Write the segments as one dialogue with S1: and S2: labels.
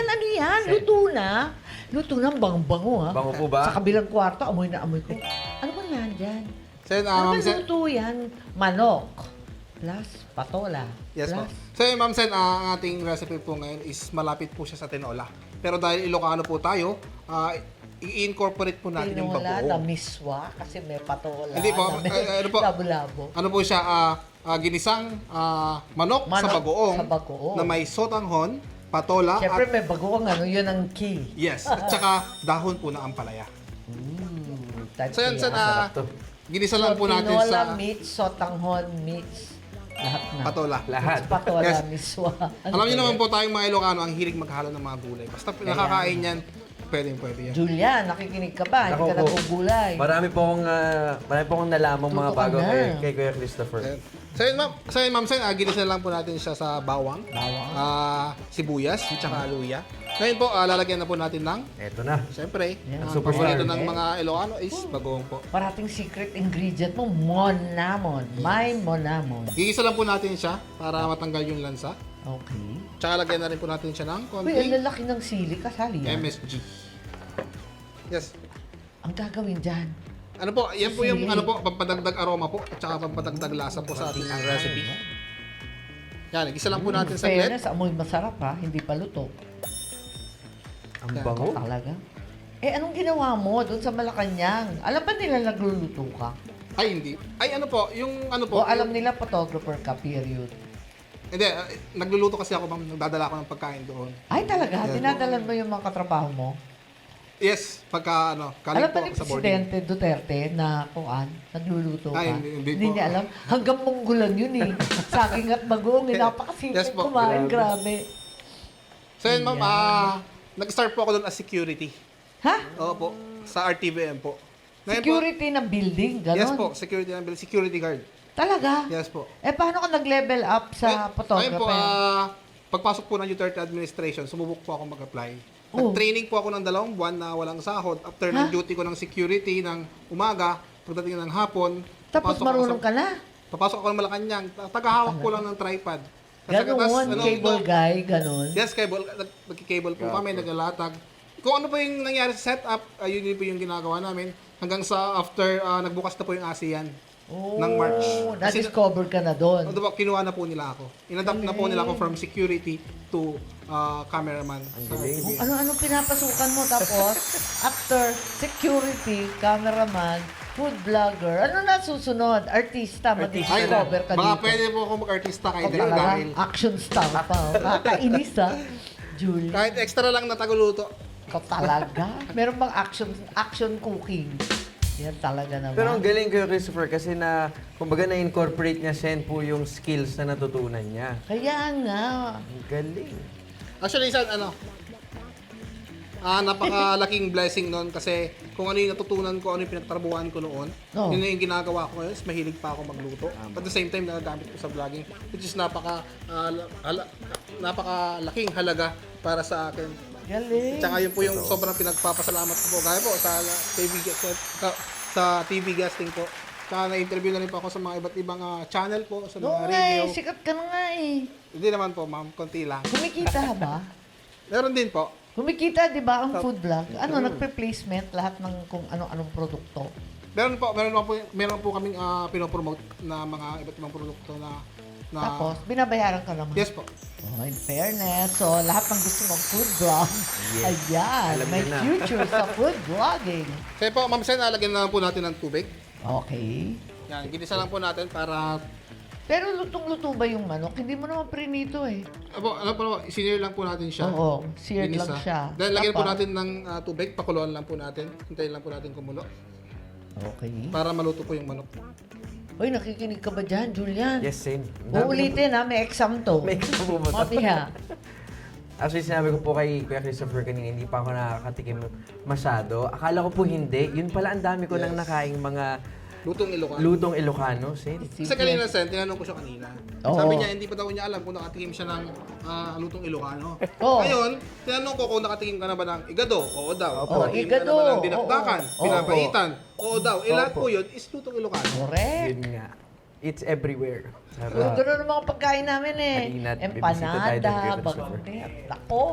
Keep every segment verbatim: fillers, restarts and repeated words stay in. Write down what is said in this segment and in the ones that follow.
S1: ano yan? Luto na. Luto na, bang-bango ha.
S2: Bango po ba?
S1: Sa kabilang kwarto, amoy na amoy ko. Ano ba nandyan?
S3: Sen,
S1: Ano
S3: ah,
S1: ba
S3: Ma'am Sen.
S1: luto yan? Manok. Plus, patola.
S3: Yes po.
S1: Plus,
S3: So, yun, Ma'am Sen, ah, ang ating recipe po ngayon is malapit po siya sa tinola. Pero dahil Ilocano po tayo, ah, i-incorporate po natin yung
S1: tinola na
S3: bagoong.
S1: miswa kasi may patola.
S3: Hindi po,
S1: na may
S3: eh, ano po?
S1: labo-labo.
S3: Ano po siya, ah, ah, ginisang ah, manok, sa
S1: Manok
S3: bagoong,
S1: sa bagoong.
S3: na may sotanghon, patola,
S1: Siyempre
S3: at
S1: may bagoong ano, yun ang key.
S3: yes, at saka dahon po ng ampalaya.
S1: Mm, type
S3: So yan,
S1: kaya.
S3: Sen, ah,
S2: to.
S3: ginisa lang po natin
S1: tinola
S3: sa
S1: meets, sotanghon meets, lahat na.
S3: patola.
S2: Lahat.
S1: Meets patola,
S3: Yes.
S1: miswa. Ano
S3: Alam niyo
S1: ba
S3: naman
S1: yan?
S3: po tayong mga Ilocano, ang hilig maghalo ng mga gulay. Basta nakakain yan, pwede pwede yan.
S1: Julia, nakikinig ka ba? Hindi
S2: Ako
S1: ka
S2: po.
S1: nagugulay.
S2: Marami po akong, ah, marami po akong nalamang mga
S1: Tuto ka
S2: bago
S1: na.
S2: kay, kay Kuya Christopher.
S3: Ayan. So yun, ma'am, so yun, ma'am, Sen, ah, ginisa lang po natin siya sa bawang,
S1: Bawang.
S3: ah, sibuyas, at saka luya. Ngayon po, ah, lalagyan na po natin ng,
S2: Eto na.
S3: siyempre,
S1: Yan.
S3: ang
S2: Super
S3: paborito
S1: star.
S3: ng mga Ilocano is bagoong po.
S1: Parating secret ingredient mo, monamon. May monamon.
S3: Gigisa lang po natin siya para matanggal yung lansa.
S1: Okay.
S3: Tsaka lagyan na rin po natin siya ng
S1: Uy, ang
S3: konting
S1: lalaki ng sili. Kasali yan.
S3: M S G. Yes.
S1: Ang gagawin dyan.
S3: Ano po, yan po yung
S1: Sili.
S3: ano po, pampadagdag aroma po at saka pampadagdag lasa po sa ating recipe. Yan, gisa lang po natin
S1: In
S3: sa saglit.
S1: fairness, amoy masarap ha. Hindi pa luto.
S2: Ang
S3: Yan.
S2: bango.
S1: Talaga. Eh, anong ginawa mo doon sa Malacanang? Alam ba nila nagluluto ka?
S3: Ay, hindi. Ay, ano po, yung ano po.
S1: O alam
S3: yung-
S1: nila photographer ka, period.
S3: Hindi, ah, nagluluto kasi ako, ma'am. Nagdadala ako ng pagkain doon.
S1: Ay, talaga?
S3: Yes.
S1: Dinadalan mo yung mga katrabaho mo?
S3: Yes, pagka ano,
S1: Alam
S3: kaling
S1: ba
S3: po
S1: ni
S3: ako sa boarding.
S1: Presidente Duterte na kuan, nagluluto ka?
S3: Ay, hindi- hindi po.
S1: niya alam. Hanggang munggulan yun eh. Saging at bagoong, eh, napakasimple
S3: Yes po,
S1: kumain,
S2: grabe.
S1: grabe.
S3: So yun, ma'am,
S1: Ayan.
S3: ah, nag-start po ako doon as security.
S1: Ha?
S3: Oo po, sa R T V M po. Ngayon
S1: Security ng building,
S3: Po,
S1: gano'n?
S3: yes po, security ng bill, security guard.
S1: Talaga?
S3: Yes po.
S1: Eh, paano ka nag-level up sa
S3: Ngayon-
S1: photographer?
S3: Ngayon po, ah, pagpasok po ng Duterte administration, sumubok po ako mag-apply.
S1: Oh.
S3: Nag-training po ako ng dalawang buwan na walang sahod. After ng
S1: Ha?
S3: duty ko ng security ng umaga, pagdating ng hapon,
S1: Tapos
S3: papasok ako
S1: marunong
S3: sa-
S1: ka na?
S3: Papasok ako ng Malacanang, ta- tagahawak ko lang ng tripod. Kasi
S1: Gano'n,
S3: katas, ano,
S1: cable
S3: ito-
S1: guy, gano'n.
S3: Yes, cable. Nag- Nagki-cable po kami, naglalatag. Kung ano po yung nangyari sa setup, uh, yun, yun po yung ginagawa namin. Hanggang sa after, ah, nagbukas na po yung ASEAN
S1: Oh,
S3: ng March. Kasi-
S1: na-discover ka na doon.
S3: Ano ba, kinuha na po nila ako. Inadapt na po nila ako from security to ah, cameraman. Sa
S2: galing.
S3: T V.
S1: Ano-ano pinapasukan mo tapos after security, cameraman, food vlogger, ano na susunod? Artista,
S2: Artista.
S3: Ay,
S1: mag-discover ka
S3: baka
S1: dito.
S3: pwede po ako mag-artista kahit
S1: Ikaw
S3: dahil.
S1: talaga,
S3: dahil
S1: action star pa. Oh. Kakainis ha, Julie.
S3: kahit extra lang na tagaluto.
S1: Ikaw talaga. Meron bang action action cooking? Yan talaga naman.
S2: Pero ang galing Kuya Christopher kasi na, kumbaga na-incorporate niya sen po yung skills na natutunan niya.
S1: Kaya nga.
S2: Ang galing.
S3: Actually, isa, ano, ah, napakalaking blessing noon kasi kung ano yung natutunan ko, ano yung pinagtrabuhan ko noon,
S1: Oo.
S3: yun na yung ginagawa ko ngayon, is mahilig pa ako magluto. At the same time, nagagamit ko sa vlogging, which is napaka, ah, hala- napakalaking halaga para sa akin.
S1: Galing.
S3: Tsaka yun po yung sobrang pinagpapasalamat ko po. Gaya po sa T V, sa, sa T V guesting po. Tsaka na-interview na rin po ako sa mga iba't ibang ah, channel po, sa mga
S1: Oo nga
S3: radio.
S1: eh, sikat ka na nga eh.
S3: Hindi naman po, ma'am, konti lang.
S1: Kumikita ba?
S3: Meron din po.
S1: Kumikita, di ba, ang food vlog? Ano, nagpe-placement lahat ng kung ano-anong produkto.
S3: Meron po, meron po, meron po kaming ah, pinopromote na mga iba't ibang produkto na na
S1: Tapos, binabayaran ka naman.
S3: yes po.
S1: Oh, in fairness, so lahat ng gusto mong food vlog, ayan,
S2: Alam
S1: may
S2: niyo na.
S1: future sa food vlogging.
S3: Kaya po, ma'am Sen, nalagyan na lang po natin ng tubig.
S1: Okay.
S3: Yan, ginisa lang po natin para
S1: Pero lutong-luto ba yung manok? Hindi mo naman prinito eh.
S3: Apo, ano po, sinir lang po natin siya.
S1: Oo, seared lang
S3: Ginisa.
S1: siya.
S3: Then lagyan po
S1: Tapos-
S3: natin ng ah, tubig, pakuluan lang po natin. Hintayin lang po natin kumulo
S1: Okay.
S3: para maluto po yung manok.
S1: Uy, nakikinig ka ba dyan, Julian?
S2: Yes, same. Ang dami
S1: Uulitin ha, may exam to.
S2: May exam po ba to?
S1: Mamiha.
S2: Actually, sinabi ko po kay Kuya Christopher kanina, hindi pa ako nakakatikim masyado. Akala ko po hindi. Yun pala, ang dami ko
S3: Yes.
S2: nang nakaing mga
S3: Lutong Ilocano.
S2: lutong Ilocano, sin.
S3: Kasi kanina, Sen, tinanong ko siya kanina.
S1: Oo.
S3: Sabi niya, hindi pa daw niya alam kung nakatikim siya ng ah, lutong Ilocano.
S1: Oo.
S3: Ngayon, tinanong ko kung nakatikim ka na ba ng igado. Oo daw.
S1: Opo.
S3: Nakatikim
S1: Igado.
S3: ka na ba ng dinakdakan,
S1: Oo.
S3: pinapaitan. Oo daw. Eh, lahat
S2: Opo.
S3: po yun is lutong Ilocano.
S1: Correct.
S2: Yun nga. It's everywhere.
S1: Pero
S2: Sarap.
S1: ganun ang mga pagkain namin eh.
S2: Halina't bibisita tayo
S1: Empanada,
S2: doon, Kuya Christopher.
S1: bagnet. Ako,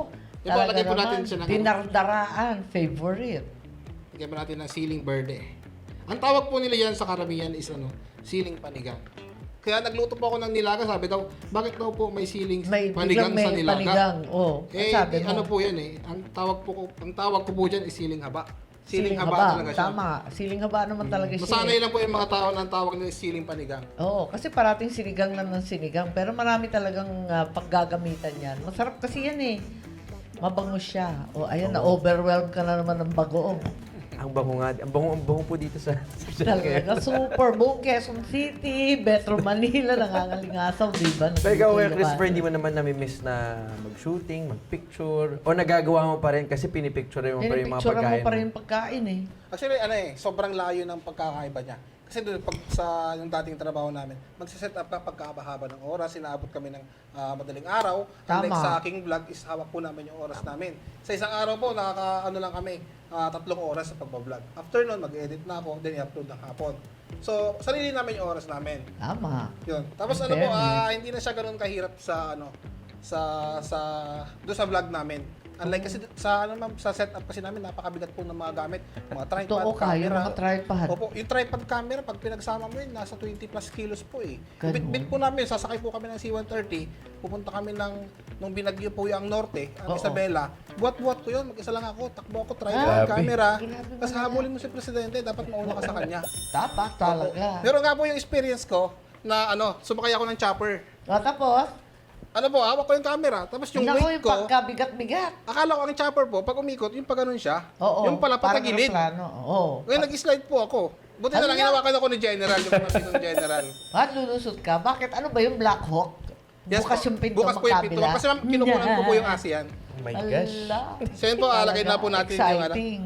S3: Di ba, lagyan po
S1: Talaga
S3: natin
S1: naman,
S3: siya ng...
S1: dinardaraan, favorite.
S3: Lagyan po natin ng siling verde. Ang tawag po nila yan sa karamihan is ano, siling panigang. Kaya nagluto po ako ng nilaga, sabi daw, bakit daw po may siling
S1: May
S3: panigang
S1: biglang
S3: sa
S1: may
S3: nilaga?
S1: panigang. Oh,
S3: Eh,
S1: sabi
S3: di-
S1: mo.
S3: ano po yan eh. Ang tawag po, ko- ang tawag ko po dyan is siling haba. Siling, haba, talaga siya.
S1: Tama. Siling haba naman talaga siya.
S3: Masanay
S1: eh.
S3: lang po yung mga tao na ang tawag nila is siling panigang.
S1: Oo, kasi parating sinigang na ng sinigang. Pero marami talagang ah, paggagamitan yan. Masarap kasi yan eh. Mabango siya. O ayan, na-overwhelm ka na naman ng bagoong.
S2: Ang bango nga, ang bango, ang bango po dito sa...
S1: Talaga, super buong Quezon City, Metro Manila, nangangalingasaw, di ba?
S2: Pero ikaw, Kuya
S1: Nandito
S2: Christopher,
S1: yung
S2: hindi mo naman nami-miss na mag-shooting, mag-picture, o nagagawa mo pa rin kasi pinipicture mo pa rin yung mga
S1: Pinipicturean
S2: pagkain
S1: mo pa rin yung pagkain eh.
S3: Actually, ano eh, sobrang layo ng pagkakaiba niya. Kasi doon, pag sa yung dating trabaho namin, magsiset up ka pagkahaba ng oras, sinaabot kami ng ah, madaling araw. Unlike
S1: Tama.
S3: sa aking vlog, is hawak po namin yung oras namin. Sa isang araw po, nakaka, ano lang kami, ah, tatlong oras sa pagbablog. After nun, mag-edit na ako, then i-upload ng hapon. So, sarili namin yung oras namin.
S1: Tama.
S3: Yun. Tapos
S1: In
S3: ano po,
S1: fairness.
S3: ah, hindi na siya ganoon kahirap sa ano sa sa doon sa vlog namin. Unlike kasi sa ano ma'am, sa setup kasi namin napakabigat po ng mga gamit, mga tripod,
S1: Totoo ka, yung
S3: camera.
S1: mga tripod.
S3: Opo, yung tripod camera pag pinagsama mo yun, nasa twenty plus kilos po eh.
S1: Ganun.
S3: Bit-bit po namin, sasakay po kami ng C one thirty, pupunta kami ng nung binagyo po yung Norte, ang
S1: Oo.
S3: Isabela. Buat-buat ko yun, mag-isa lang ako, takbo ako, tripod,
S2: Grabe.
S3: camera.
S1: Grabe
S3: Tapos
S1: pala.
S3: habulin mo si Presidente, dapat mauna ka sa kanya.
S1: Dapat talaga.
S3: Pero nga po yung experience ko na ano, sumakay ako ng chopper.
S1: O tapos,
S3: Ano po, hawak ko yung camera, tapos yung
S1: naku,
S3: weight
S1: yung
S3: ko,
S1: pagkabigat-bigat.
S3: akala ko ang chopper po, pag umikot, yung pag ganun siya,
S1: Oo.
S3: yung pala
S1: parang
S3: patagilid.
S1: aeroplano. Oo.
S3: Ngayon nag-slide po ako. Buti na
S1: Ano
S3: lang,
S1: yan?
S3: hinawakan ako ni General, yung mga ng General.
S1: At lulusot ka. Bakit? Ano ba yung Black Hawk? Bukas
S3: po.
S1: yung pinto
S3: Bukas po yung pinto.
S1: magkabila.
S3: Kasi ma'am, kinukunan ko po yung ASEAN.
S2: Oh my gosh.
S1: Ala.
S3: So yun po, ah, lagay na po natin yung ano.
S1: Exciting.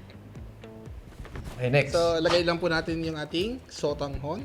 S2: Okay, next.
S3: So, lagay lang po natin yung ating sotanghon.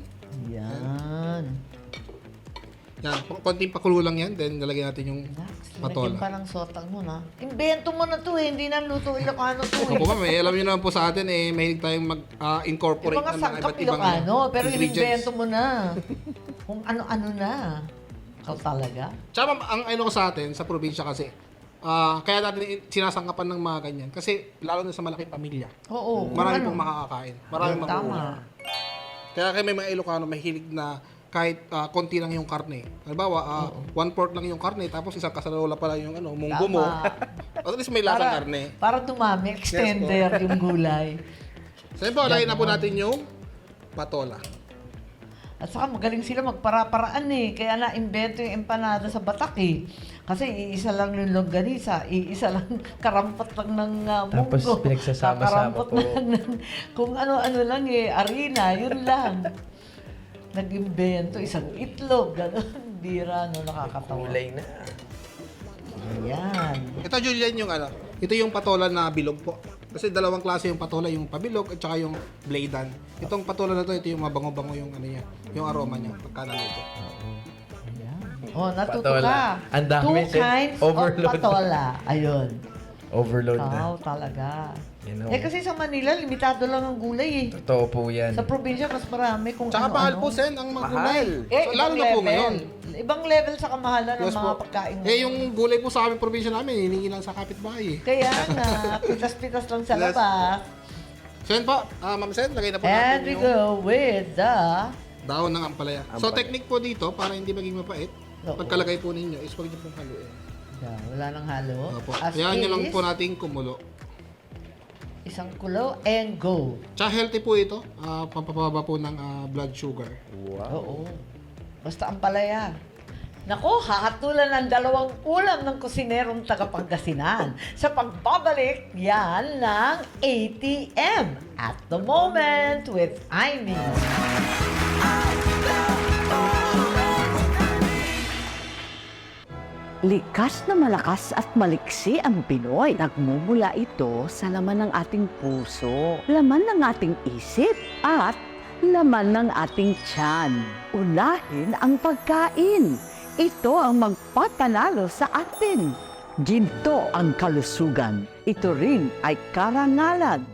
S1: Yan.
S3: Yan, konting pakulo lang yan, then nalagay natin yung
S1: Relax.
S3: patola.
S1: Lagyan parang sotang mo na. Invento mo na to eh. Hindi na luto Ilocano to eh.
S3: Opo ma'am, eh, alam niyo naman po sa atin, eh, mahilig tayong
S1: Yung
S3: mag-incorporate
S1: mga
S3: ng mga
S1: sangkap
S3: iba't ibang
S1: Ilocano. Pero
S3: ingredients.
S1: invento mo na. Kung ano-ano na. Ikaw talaga.
S3: Tsaka ma'am, ang ano ko sa atin, sa probinsya kasi, ah kaya natin i- sinasangkapan ng mga ganyan. Kasi lalo na sa malaking pamilya,
S1: Oo. kung
S3: marami
S1: ano.
S3: pong makakakain. Marami
S1: Tama.
S3: makukuha. Kaya kaya may mga Ilocano mahilig na kahit ah, konti lang yung karne. Halimbawa, ah, one fourth lang yung karne, tapos isang kasarola pala yung ano, munggo mo.
S1: Tama.
S3: At least may lasang karne.
S1: Para dumami, extender yung gulay.
S3: So yun po, lagay na po natin yung patola.
S1: At saka magaling sila magpara-paraan eh. Kaya na-invento yung empanada sa Batak eh. Kasi iisa lang yung longganisa, iisa lang karampat lang ng uh, munggo.
S2: Tapos pinagsasama-sama
S1: Kakarampot
S2: po.
S1: lang ng, kung ano-ano lang eh, harina, yun lang. Nag-invento, isang itlog, gano'n. Bira, no, nakakatawa.
S2: Kulay na.
S1: Ayan.
S3: Ito, Julian, yung ano, ito yung patola na bilog po. Kasi dalawang klase yung patola, yung pabilog at saka yung bladan. Itong patola na to, ito yung mabango-bango yung ano niya, yung aroma niya pagka naluto.
S1: Ayan. Oh, natuto
S2: Patola.
S1: ka.
S2: Ang dami,
S1: Two
S2: Sid.
S1: kinds
S2: Overload.
S1: of patola. Ayun.
S2: Overload
S1: Wow,
S2: na.
S1: talaga.
S2: You know.
S1: Eh kasi sa Manila, limitado lang ang gulay eh.
S2: Totoo po yan.
S1: Sa probinsya, mas marami kung
S3: Tsaka
S1: ano-ano.
S3: mahal po, Sen, ang mga
S2: Mahal.
S3: gulay.
S1: Eh,
S3: So,
S1: ibang
S3: lalo na po
S1: level.
S3: ngayon.
S1: Ibang level sa kamahalan ng
S3: Yes
S1: mga
S3: po.
S1: pagkain.
S3: Eh, yung gulay po sa aming probinsya namin, hiningi lang sa kapitbahay. eh.
S1: Kaya nga, pitas-pitas lang sa
S3: Yes.
S1: labas.
S3: Sen po, ah, Ma'am Sen, lagay na po
S1: And
S3: natin
S1: we
S3: yung
S1: go with the...
S3: daon ng ampalaya. So,
S2: Ampalaya.
S3: technique po dito, para hindi maging mapait,
S1: Oo.
S3: pagkalagay po ninyo, is huwag niyo pong haluin.
S1: Yeah, wala nang halo.
S3: Opo.
S1: As
S3: Hayaan niyo lang
S1: is,
S3: po nating kumulo.
S1: isang kulo and go.
S3: Tsaka healthy po ito, ah, pampababa po ng ah, blood sugar.
S2: Wow.
S1: Oo. Basta ang palaya. Nako, hahatulan ng dalawang ulam ng kusinerong taga-Pangasinan sa pagbabalik yan ng A T M at the moment with Amy.
S4: Likas na malakas at maliksi ang Pinoy. Nagmumula ito sa laman ng ating puso, laman ng ating isip, at laman ng ating tiyan. Unahin ang pagkain. Ito ang magpapanalo sa atin. Ginto ang kalusugan. Ito rin ay karangalan.